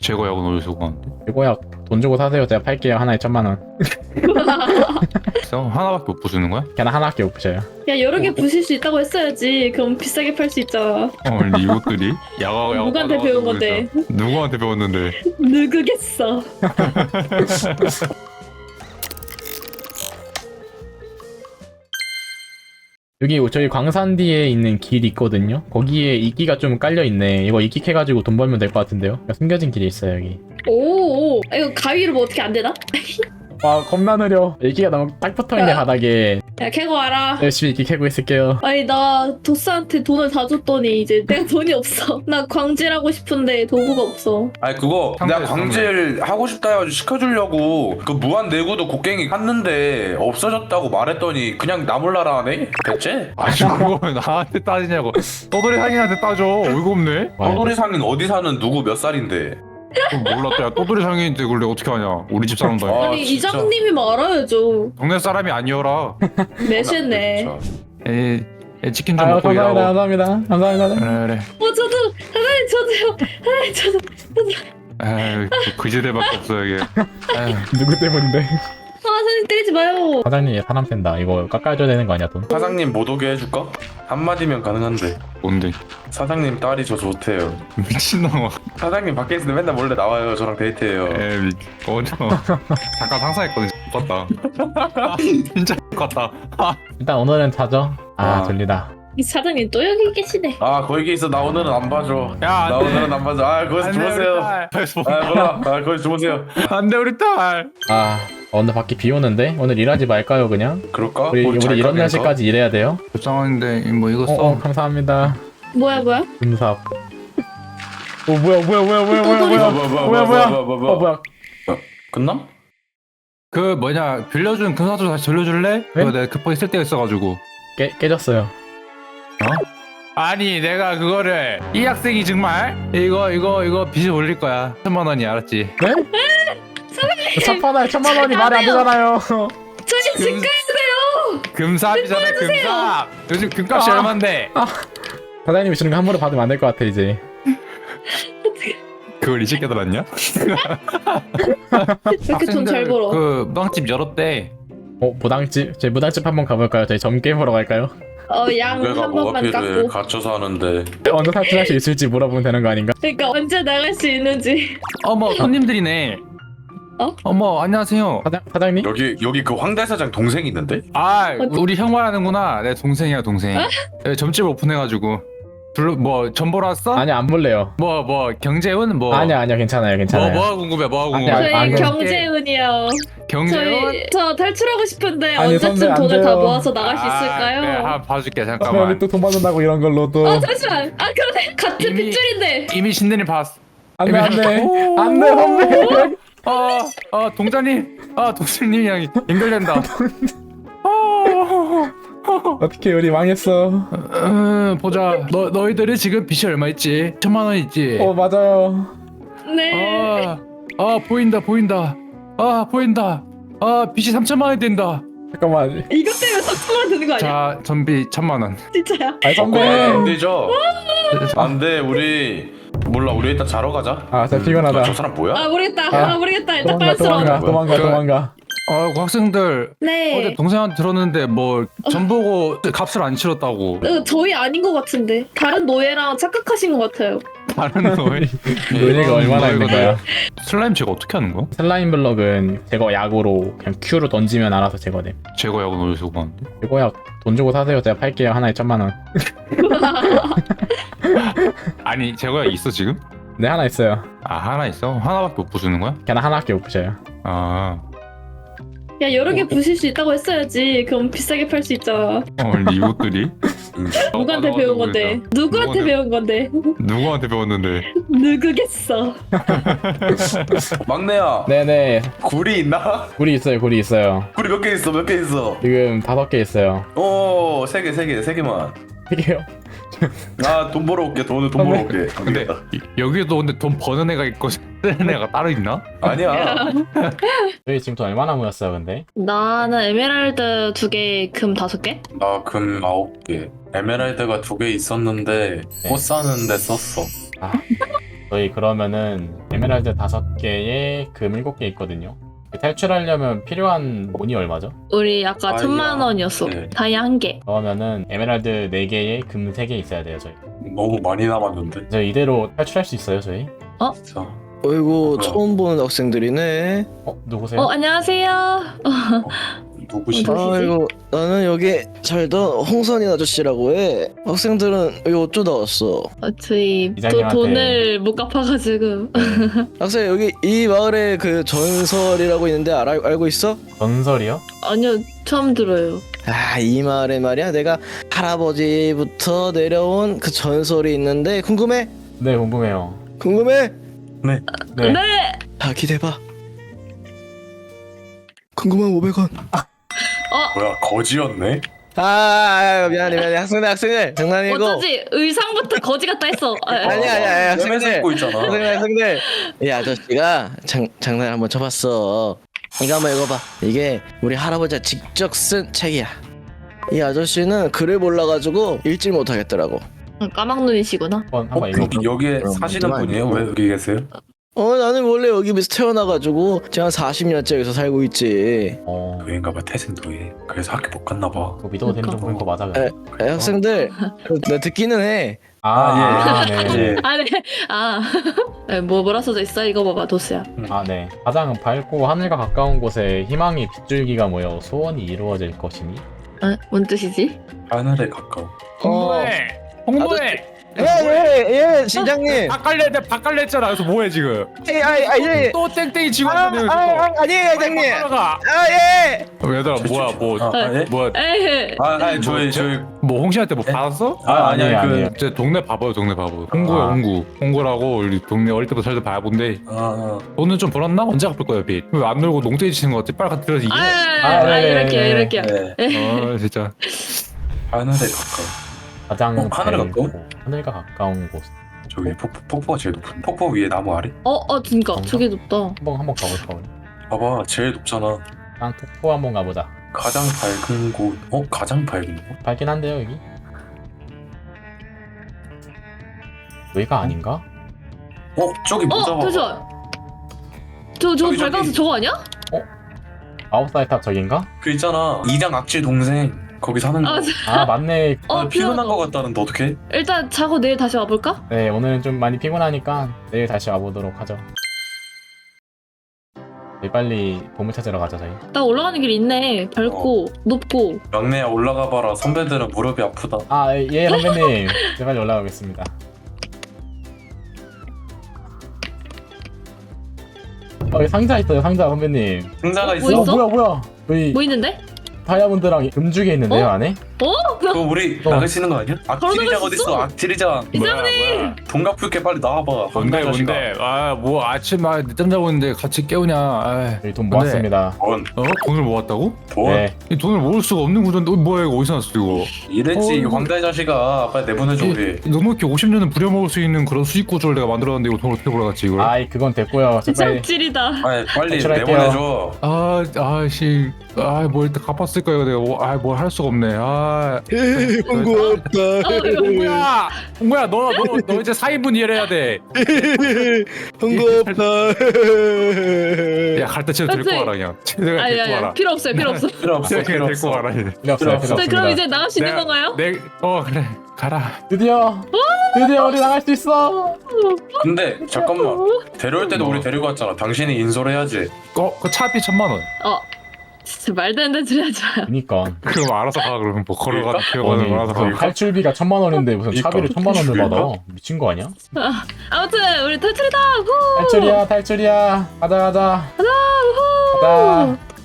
제거약은 어디서 구하는데? 이거야 돈 주고 사세요. 제가 팔게요. 하나에 1,000,000원. 비싸? 하나밖에 못 부수는 거야? 걔는 하나밖에 못 부셔요. 야 여러 개 부실 수 있다고 했어야지. 그럼 비싸게 팔 수 있잖아. 근데 이것들이? 야가 누구한테 배운 건데? 누구한테 배웠는데? 누구겠어. 여기 저희 광산 뒤에 있는 길 있거든요. 거기에 이끼가 좀 깔려 있네. 이거 이끼 캐가지고 돈 벌면 될 것 같은데요. 숨겨진 길이 있어요 여기. 오, 이거 가위로 뭐 어떻게 안 되나? 와 겁나 느려. 이끼가 너무 딱 붙어있네 바닥에. 야 캐고 와라. 열심히 이끼 캐고 있을게요. 아니 나 도스한테 돈을 다 줬더니 이제 내가 돈이 없어. 나 광질하고 싶은데 도구가 없어. 아니 그거 내가 상대, 광질 하고 싶다 해가지고 시켜주려고 그 무한 내구도 곡괭이 샀는데 없어졌다고 말했더니 그냥 나 몰라라 하네? 대체? 아니 그거 왜 나한테 따지냐고. 떠돌이 상인한테 따져. 어이가 없네. 떠돌이 상인 어디 사는 누구 몇 살인데? 몰랐다. 야 떠돌이 상인인데 그걸 내가 어떻게 하냐. 우리 집 사람도 아니고. 아, 아니 진짜. 이장님이면 알아야죠. 동네 사람이 아니어라. 매시네. 진짜. 에 치킨 좀 아유 먹고 일하고. 감사합니다. 감사합니다. 그래. 저도 하나님 저도요. 하나님 저도. 에이 그지대밖에 없어 이게. 에이. 누구 때문인데? 사장님 때리지 마요. 사장님 사람 뺀다. 이거 깎아줘야 되는 거 아니야 돈? 사장님 못 오게 해줄까? 한마디면 가능한데 뭔데? 사장님 딸이 저 좋대요. 미친놈아. 사장님 밖에 있을 때 맨날 몰래 나와요. 저랑 데이트해요. 에이 어저 잠깐 상상했거든. 같다. 진짜 같다. 일단 오늘은 자죠. 아. 이 사장님 또 여기 계시네. 아 거기 있어. 나 오늘은 안 봐줘. 야, 나 안 돼. 오늘은 안 봐줘. 아 거기서 주무세요. 아 몰라. 아 거기서 주무세요. 안돼 우리 딸. 오늘 밖에 비 오는데 오늘 일하지 말까요 그냥? 그럴까? 우리 잘 이런 가면서? 날씨까지 일해야 돼요? 불쌍한데 뭐 이거 써. 감사합니다. 뭐야? 금삽. 오 뭐야. 끝나? 그 뭐냐 빌려준 금사도 다시 돌려줄래? 그거 내가 급하게 쓸 때가 있어가지고. 깨졌어요. 아니 내가 그거를 이 학생이 정말 이거 빚을 올릴 거야. 1,000,000원이 알았지? 네? 첫판에 1,000,000원이 말이 안 되잖아요. 저희 집 가야 돼요. 금삽이잖아 금삽. 요즘 금값이 얼만데? 사장님이 주는 거 함부로 받으면 안 될 것 같아 이제. 그걸 이제 깨달았냐? 왜 이렇게 돈 잘 벌어? 그 무당집 열었대. 무당집? 저희 무당집 한번 가볼까요? 저희 점게임 보러 갈까요? 양 내가 한 뭐가 번만 필요해? 깎고. 갇혀서 하는데. 언제 탈출할 수 있을지 물어보면 되는 거 아닌가? 그러니까 언제 나갈 수 있는지. 어머 손님들이네. 어머 안녕하세요. 사장님? 여기 그 황대 사장 동생 있는데? 우리 형 말하는구나. 내 동생이야 동생. 여기 점집 오픈해가지고 뭐 전보러 왔어? 아니 안 볼래요. 뭐 경제운 뭐 아니야 괜찮아요. 뭐가 궁금해 뭐가 아니야, 궁금해. 안 저희 그래. 경제운이요. 경제운? 저 탈출하고 싶은데 아니, 언제쯤 선배, 안 돈을 다 돼요. 모아서 나갈 수 그래, 있을까요? 한번 봐줄게 우리 잠깐만. 또 돈 받는다고 이런 걸로 또. 잠시만. 그러네. 같은 이미- 핏줄인데. 이미 신내님 봤어. 안돼 오. 안돼 선배. 동자님, 동생님이랑 연결된다. 어떻게 우리 망했어. 보자. 너희들이 지금 빚이 얼마 있지? 1,000,000원 있지? 맞아요. 네. 보인다. 빚이 3,000,000원이 된다. 잠깐만. 이것 때문에 3천만 드는 거 아니야? 자, 전비 1,000,000원. 진짜야? 아니 선배. 안 되죠? 안돼 우리 몰라 우리 일단 자러 가자. 진짜 피곤하다. 저 사람 뭐야? 모르겠다. 모르겠다. 일단 도망가 빤스러워. 도망가. 그 학생들 네. 어제 동생한테 들었는데 뭐 전보고 값을 안 치렀다고. 저희 아닌 것 같은데 다른 노예랑 착각하신 것 같아요. 다른 노예. 노예가 얼마나 있는 거야? 슬라임 제거 어떻게 하는 거야? 슬라임 블럭은 제거 약으로 그냥 Q로 던지면 알아서 제거돼. 제거약은 어디서 구하는데? 이거야 돈 주고 사세요. 제가 팔게요. 하나에 1,000,000원. 아니 제거약 있어 지금? 네 하나 있어요. 하나 있어? 하나밖에 못 부수는 거야? 걔는 하나밖에 못 부셔요. 야 여러 개 부실 수 있다고 했어야지. 그럼 비싸게 팔 수 있잖아. 근데 이것들이? 누구한테 배운 건데? 누구한테 배운 건데? 누구한테 배웠는데? 누구겠어. 막내야. 네네. 굴이 있나? 굴이 있어요. 굴이 있어요. 굴이 몇 개 있어? 몇 개 있어? 지금 5개 있어요. 오, 세 개만. 이게요. 돈 벌어 올게. 돈 벌어 올게. 근데 여기도 근데 돈 버는 애가 있고 쓰는 애가 따로 있나? 아니야. 저희 지금 돈 얼마나 모였어요, 근데? 나는 에메랄드 2개, 금 5개? 나 금 9개. 에메랄드가 2개 있었는데 꽃 사는데 썼어. 저희 그러면은 에메랄드 5개에 금 7개 있거든요. 탈출하려면 필요한 돈이 얼마죠? 우리 아까 다이아. 10,000원이었어. 네. 다이아 1개. 그러면은 에메랄드 4개에 금 3개 있어야 돼요 저희. 너무 많이 남았는데. 저 이대로 탈출할 수 있어요 저희? 진짜. 어이구 뭐야? 처음 보는 학생들이네. 누구세요? 안녕하세요. 누구시죠? 누구시지? 아이고 나는 여기 살던 홍선인 아저씨라고 해. 학생들은 여기 어쩌다 왔어? 저희 이장님한테- 돈을 못 갚아가지고. 학생 여기 이 마을에 그 전설이라고 있는데 알고 있어? 전설이요? 아니요, 처음 들어요. 아 이 마을에 말이야 내가 할아버지부터 내려온 그 전설이 있는데 궁금해? 네 궁금해요. 궁금해? 네. 네. 자 기대봐. 궁금한 500원. 뭐야 거지였네? 미안해 학생들 장난이고. 어쩌지? 의상부터 거지 같다 했어. 아니야 쌤에서 학생들. 입고 있잖아. 학생들 이 아저씨가 장난 한번 쳐봤어. 이거 한번 읽어봐. 이게 우리 할아버지가 직접 쓴 책이야. 이 아저씨는 글을 몰라가지고 읽질 못하겠더라고. 까막눈이시구나. 한번 읽어. 여기에 그럼 사시는 그만 분이에요? 읽고. 왜 여기 계세요? 나는 원래 여기 태어나가지고 제가 한 40년째 여기서 살고 있지. 노예인가봐 태생 노예. 그래서 학교 못 갔나봐. 그 믿어도 되는 정보인 거 맞아? 에, 학생들 나 듣기는 해. 네. 예. 아, 네. 아. 네, 뭐라 써져 있어? 이거 봐봐, 도스야. 네. 가장 밝고 하늘과 가까운 곳에 희망의 빗줄기가 모여 소원이 이루어질 것이니. 뭔 뜻이지? 하늘에 가까워. 홍보해. 홍보해. 예 시장님. 바깔레 했잖아. 그래서 뭐해 지금? 예. 또 땡땡이 지고 있는데 아니에요 시장님. 가 예. 얘들아 뭐야 예? 뭐야 에이. 저희 뭐 홍시한테 뭐 받았어? 아니에요, 그 아니에요. 제 동네 바보요 동네 바보. 홍구야 홍구. 홍구라고 우리 동네 어릴 때부터 살던 바보인데 돈은 좀 벌었나? 언제 갚을 거야 빚? 왜 안 놀고 농땡이 치는 거 같지? 빨리 갖다 들어서 이게. 네. 이럴게요. 네. 진짜. 하늘에 가까워. 가장 하늘에 밝고 가까워? 하늘과 가까운 곳. 저기 폭포가 제일 높은. 폭포 위에 나무 아래? 진짜. 저게 높다. 한번 가볼까 우리? 봐봐 제일 높잖아. 난 폭포 한번 가보자. 가장 밝은 곳. 가장 밝은 곳? 밝긴 한데요 여기. 여기가 아닌가? 저기 모자 봐봐. 잠시만. 저 저기. 발광석 저거 아니야? 9살 탑 저긴가? 그 있잖아 이장 악질 동생 거기 사는 거. 맞네. 피곤한 거 같다는데 어떡해? 일단 자고 내일 다시 와볼까? 네 오늘은 좀 많이 피곤하니까 내일 다시 와보도록 하죠. 네, 빨리 보물 찾으러 가자 저희. 나 올라가는 길 있네. 밝고 높고. 막내야 올라가 봐라. 선배들은 무릎이 아프다. 예 선배님. 네, 빨리 올라가겠습니다. 여기 상자 있어요 상자 선배님. 상자가 뭐 있어. 있어? 뭐야 여기 뭐 있는데? 다이아몬드랑 금주게 있는데요 안에? 그거 우리 나가시는 거 아니야? 악질이장 걸어놓을 수 어딨어? 악질이장. 이장님! 동갑 풀게 빨리 나와봐. 뭔데 황달 자식아. 뭔데? 뭐 아침 늦잠 자고 있는데 같이 깨우냐? 여기 돈 근데- 모았습니다. 돈을 모았다고? 돈? 네. 이 돈을 모을 수가 없는 구조인데 뭐야 이거 어디서 났어 이거? 이랬지 이거- 황달 자식아. 빨리 내보내줘 우리. 넉넉히 50년은 부려먹을 수 있는 그런 수익 구조를 내가 만들었는데 이거 돈을 어떻게 벌어갔지 이걸? 그건 됐고요. 저 빨리 이상질이다. 빨리 탈출할게요. 내보내줘. 뭐 일단 갚았을 거야 내가 뭘 할 수가 없네. 홍구 없다. 홍구야 너 이제 4인분 일해야 돼. 홍구 없다. 야 갈 때 쟤를 데리고 와라 그냥. 쟤를 데리고 와라. 필요 없어요. 필요 없어. 필요 없어. 쟤를 필요 데리고 없어. 와라. 이제. 필요 없어요. 필요 네, 자, 그럼 없습니다. 이제 나갈 수 있는 내가- 건가요? 그래 가라. 드디어 우리 나갈 수 있어. 근데 잠깐만. 데려올 때도 우리 데리고 왔잖아. 당신이 인솔해야지. 그 차비 1,000만 원. 진짜 말도 안 되는 소리 하지 마요. 그니까. 그럼 알아서 가 그러면 뭐 걸어가 아니, 기어가는 거 알아서 가. 탈출비가 1,000만 원인데 무슨 그러니까. 차비를 1,000만 원을 받아? 미친 거 아니야? 아무튼 우리 탈출이다. 후! 탈출이야. 가자. 후! 가자.